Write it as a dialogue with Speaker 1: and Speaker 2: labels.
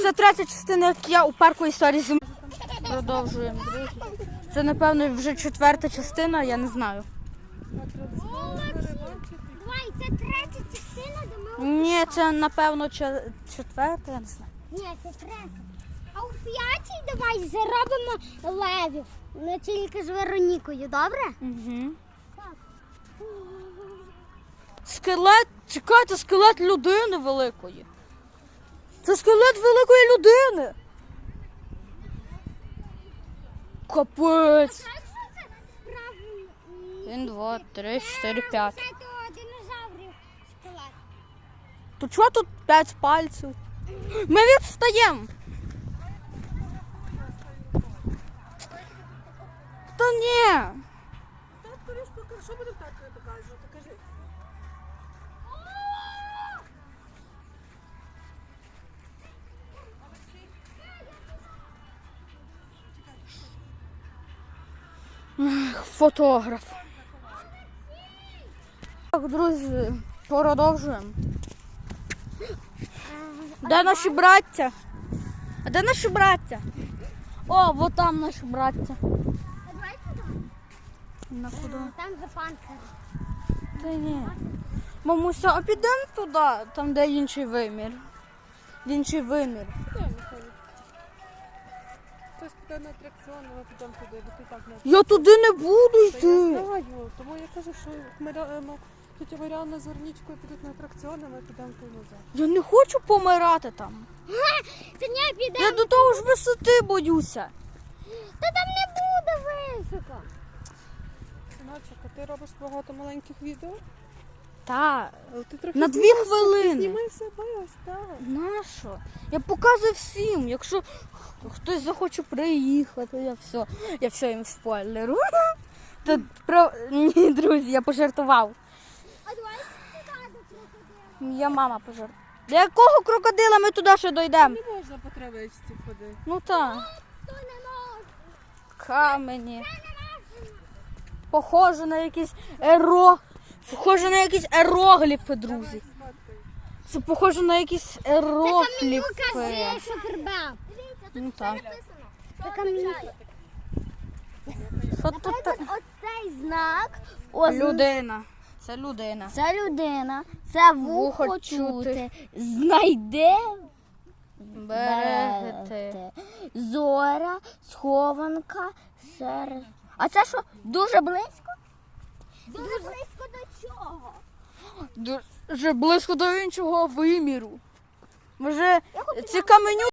Speaker 1: Це третя частина, як я у парку історії зими. Продовжуємо, друзі. Це, напевно, вже четверта частина, я не знаю.
Speaker 2: Давай, це третя частина, де ми...
Speaker 1: Ні, це, напевно, четверта, я не знаю.
Speaker 2: Ні, це третя. А у п'ятій давай заробимо левів. Не тільки з Веронікою, добре?
Speaker 1: Угу.
Speaker 2: Так.
Speaker 1: Скелет, чекайте, скелет людини великої. Це скелет великої людини. Капець.
Speaker 2: Так, що це справді?
Speaker 1: 1, 2, 3, 4, 5.
Speaker 2: Це то динозаврів скелет.
Speaker 1: То чого тут 5 пальців? Ми відстаємо. Та ні.
Speaker 3: Що буде так показувати? Кажи.
Speaker 1: Фотограф. Так, друзі, продовжуємо. Де наші браття? А де наші браття? О, вот там наші браття.
Speaker 2: А давай туди.
Speaker 1: На куди?
Speaker 2: Там за панцир.
Speaker 1: Та ні. Мамуся, а підемо туди, там де інший вимір. В інший вимір.
Speaker 3: Хтось піде на атракціон, ми підемо туди, бо ти так не...
Speaker 1: Я туди не буду
Speaker 3: Та я
Speaker 1: йти.
Speaker 3: знаю, тому я кажу, що тетя Маріанна з Вернічкою підуть на атракціон, а ми підемо туди назад.
Speaker 1: Я не хочу помирати там.
Speaker 2: Та не підемо.
Speaker 1: Я до того ж висоти боюся.
Speaker 2: Та там не буде високо.
Speaker 3: Синочок, а ти робиш багато маленьких відео?
Speaker 1: Та,
Speaker 3: Але ти трохи
Speaker 1: на 2
Speaker 3: знімайся,
Speaker 1: хвилини.
Speaker 3: Ти знімай себе ось так.
Speaker 1: Нащо? Я показую всім. Якщо хтось захоче приїхати, я все їм спойлеру. Та, ні, друзі, я пожартував.
Speaker 2: А давай туди до крокодила.
Speaker 1: Я мама пожартувала. До якого крокодила ми туди ще дійдемо?
Speaker 3: Не можна по травичці ходити.
Speaker 1: Ну так,
Speaker 2: То не може.
Speaker 1: камені.
Speaker 2: Це не може.
Speaker 1: Похоже на якісь ерогліфи, друзі. Це похоже на якісь ерогліфи.
Speaker 2: Кажи, що прибав.
Speaker 1: Ну так.
Speaker 2: Це камінюка.
Speaker 1: Що тут?
Speaker 2: Оцей знак.
Speaker 1: Людина. Це людина.
Speaker 2: Це людина. Це
Speaker 1: Вухо
Speaker 2: вухо
Speaker 1: чути.
Speaker 2: чути. Знайде.
Speaker 1: Берегти.
Speaker 2: Зоря, схованка, серед. А це що, дуже близько? Дуже близько до чого?
Speaker 1: Дуже близько до іншого виміру. Може, ці каменю